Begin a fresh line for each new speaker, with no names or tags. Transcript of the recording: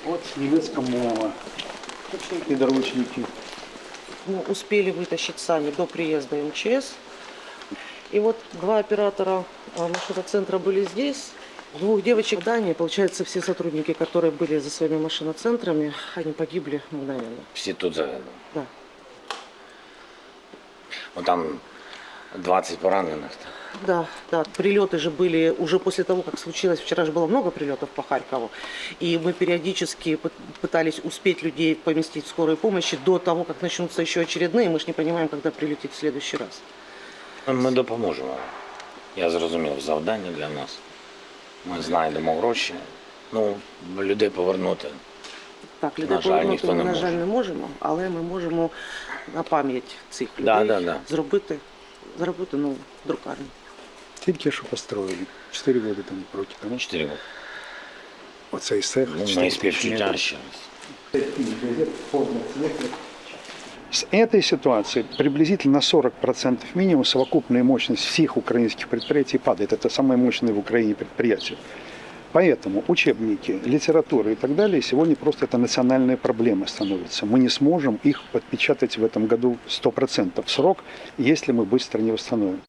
Вот немецкая мова. Подручники.
Мы успели вытащить сами до приезда МЧС. И вот два оператора машиноцентра были здесь. Двух девочек в Дании, получается, все сотрудники, которые были за своими машиноцентрами, они погибли мгновенно.
Всі тут загинули.
Да.
Ну там 20 поранених.
Да, да, прилеты же были уже после того, как случилось. Вчера же было много прилетов по Харькову. И мы периодически пытались успеть людей поместить в скорой помощи до того, как начнутся еще очередные. Мы же не понимаем, когда прилетит в следующий раз.
Ми допоможемо. Я зрозумів, завдання для нас. Ми знайдемо гроші. Ну, людей повернути.
Так, людей
На жаль,
повернути
ніхто
ми,
не
на
може.
жаль, не можемо, але ми можемо на пам'ять цих людей
Да.
зробити нову друкарню.
Тільки що построили. 4 года там проти тому.
4 роки.
Оцей цех.
Ну, мої співчуття ще раз.
С этой ситуации приблизительно на 40% минимум совокупная мощность всех украинских предприятий падает. Это самые мощные в Украине предприятия. Поэтому учебники, литература и так далее сегодня просто это национальная проблема становится. Мы не сможем их подпечатать в этом году 100% в срок, если мы быстро не восстановим.